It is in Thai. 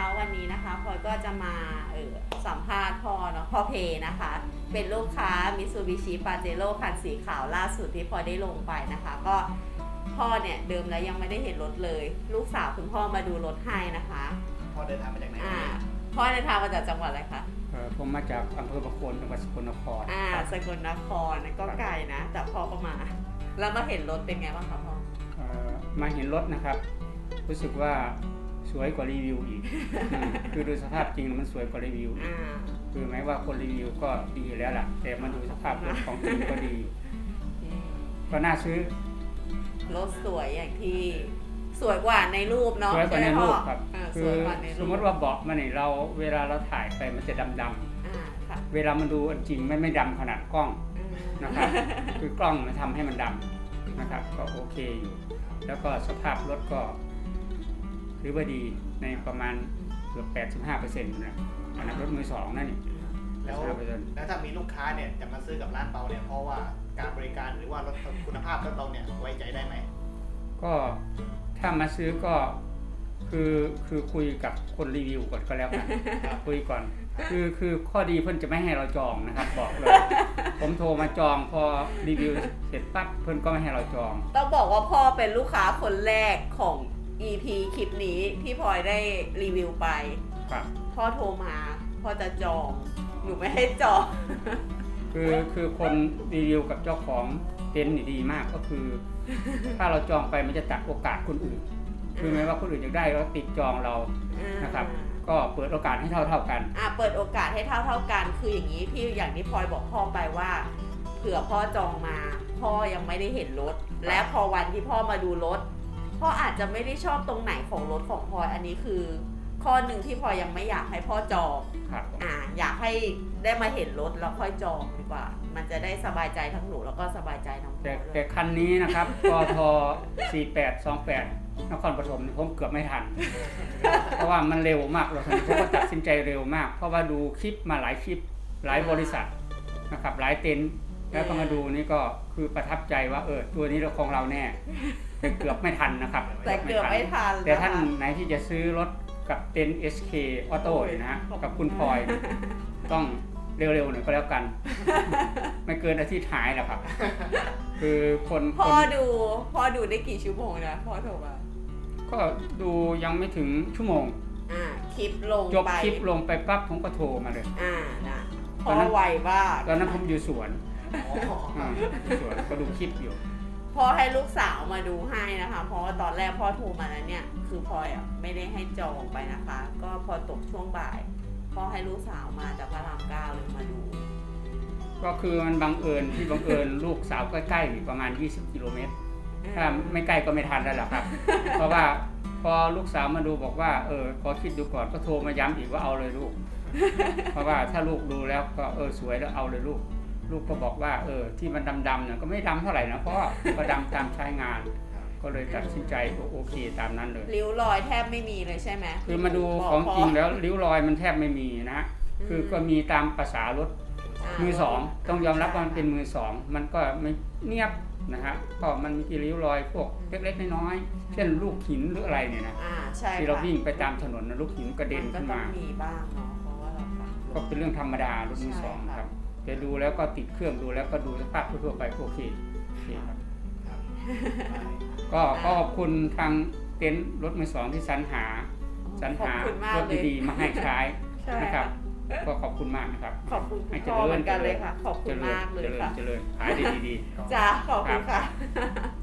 นะคะวันนี้นะคะพลอยก็จะมาสัมภาษณ์พ่อเนาะพ่อเพนะคะเป็นลูกค้า Mitsubishi Pajero คันสีขาวล่าสุดที่พลอยได้ลงไปนะคะก็พ่อเนี่ยเดิมแล้วยังไม่ได้เห็นรถเลยลูกสาวคุณพ่อมาดูรถให้นะคะพ่อเดินทางมาจากไหนพ่อเดินทางมาจากจังหวัดอะไรคะผมมาจากอำเภอประโคนจังหวัดสกลนครสกลนครก็ไกลนะแต่พ่อก็มาแล้วมาเห็นรถเป็นไงบ้างคะพ่อมาเห็นรถนะครับรู้สึกว่าสวยกว่ารีวิวอีก คือดูสภาพจริงมันสวยกว่ารีวิวคือแม้ว่าคนรีวิวก็ดีแล้วล่ะแต่มาดูสภาพรถของจริงก็ดีก็น่าซื้อรถสวยอย่างที่สวยกว่าในรูปเนาะสวยกว่าในรูปครับคือสมมติว่าเบาะมันนี่เราเวลาเราถ่ายไปมันจะดำๆเวลามันดูจริงไม่ดำขนาดกล้องนะครับคือกล้องมันทำให้มันดำนะครับก็โอเคอยู่แล้วก็สภาพรถก็ถือว่าดีในประมาณเกือบ 85% นะอันนั้นรถมือสองนั่นนี่แล้วถ้ามีลูกค้าเนี่ยจะมาซื้อกับร้านเราเนี่ยเพราะว่าการบริการหรือว่ารถคุณภาพรถเราเนี่ยไว้ใจได้ไหมก็ถ้ามาซื้อก็คือคุยกับคนรีวิวก่อนก็แล้วกันคุยก่อนคือข้อดีเพิ่นจะไม่ให้เราจองนะครับบอกเลยผมโทรมาจองพอรีวิวเสร็จปั๊บเพิ่นก็ไม่ให้เราจองต้องบอกว่าพ่อเป็นลูกค้าคนแรกของ EP คลิปนี้ที่พลอยได้รีวิวไปพ่อโทรมาพ่อจะจองหนูไม่ให้จองคือคนรีวิวกับเจ้าของเต็นท์นี่ดีมากก็คือถ้าเราจองไปมันจะตัดโอกาสคนอื่นคือแม้ว่าคนอื่นอยากได้แล้วติดจองเรานะครับก็เปิดโอกาสให้เท่ากันเปิดโอกาสให้เท่ากันคืออย่างนี้พี่อย่างที่พลอยบอกพ่อไปว่าเผื่อพ่อจองมาพ่อยังไม่ได้เห็นรถและพอวันที่พ่อมาดูรถพ่ออาจจะไม่ได้ชอบตรงไหนของรถของพลอยอันนี้คือข้อหนึ่งที่พลอยยังไม่อยากให้พ่อจองอยากให้ได้มาเห็นรถแล้วค่อยจองดีกว่ามันจะได้สบายใจทั้งหนูแล้วก็สบายใจทั้งพ่อแต่คันนี้นะครับกท4828นครปฐมผมเกือบไม่ทันเพราะว่ามันเร็วมากเราผมก็ตัดสินใจเร็วมากเพราะว่าดูคลิปมาหลายคลิปหลายบริษัทนะครับหลายเต็นท์แล้วก็มาดูนี่ก็คือประทับใจว่าตัวนี้เราของเราแน่แต่เกือบไม่ทันนะครับแต่เกือบไม่ทันแต่ท่านไหนที่จะซื้อรถกับเต็นท์ SK Auto นะฮะกับคุณพลอยต้องเร็วๆหน่อยก็แล้วกันไม่เกินอาทิตย์หายแล้วครับคือพ่อดูได้กี่ชั่วโมงนะพ่อโทรมาก็ดูยังไม่ถึงชั่วโมงคลิปลงจบคลิปลงไปปั๊บผมก็โทรมาเลยนะพ่อไวมากตอนนั้นผมอยู่สวนก็ดูคลิปอยู่พ่อให้ลูกสาวมาดูให้นะคะเพราะว่าตอนแรกพ่อโทรมาแล้วเนี่ยคือพลอยไม่ได้ให้จองไปนะคะก็พอตกช่วงบ่ายพ่อให้ลูกสาวมาจากพระราม 9เลยมาดูก็คือมันบังเอิญลูกสาวใกล้ๆประมาณ20 กิโลเมตรถ้าไม่ใกล้ก็ไม่ทันแล้วล่ะครับเพราะว่าพอลูกสาวมาดูบอกว่าขอคิดดูก่อนก็โทรมาย้ำอีกว่าเอาเลยลูกเพราะว่าถ้าลูกดูแล้วก็สวยแล้วเอาเลยลูกก็บอกว่าที่มันดำๆเนี่ยก็ไม่ดำเท่าไหร่นะเพราะก็ดำตามใช้งานก็เลยตัดสินใจโอเคตามนั้นเลยริ้วรอยแทบไม่มีเลยใช่ไหมคือมาดูของจริงแล้วริ้วรอยมันแทบไม่มีนะคือก็มีตามภาษารถมือสองต้องยอมรับว่ามันเป็นมือสองมันก็ไม่เนียบนะฮะก็มันมีริ้วรอยพวกเล็กๆน้อยๆเช่นลูกหินหรืออะไรเนี่ยนะที่เราวิ่งไปตามถนนลูกหินกระเด็นขึ้นมามีบ้างเนาะเพราะว่าเราก็เป็นเรื่องธรรมดารถมือสองครับแต่ดูแล้วก็ติดเครื่องดูแล้วก็ดูสภาพทั่วไปโอเคครับก็ขอบคุณทางเต็นท์รถมือสองที่สรรหารถดีๆมาให้ใช้นะครับก็ขอบคุณมากนะครับขอบคุณพ่อเหมือนกันเลยค่ะขอบคุณมากเลยค่ะเจริญขายดีๆจ้าขอบคุณค่ะ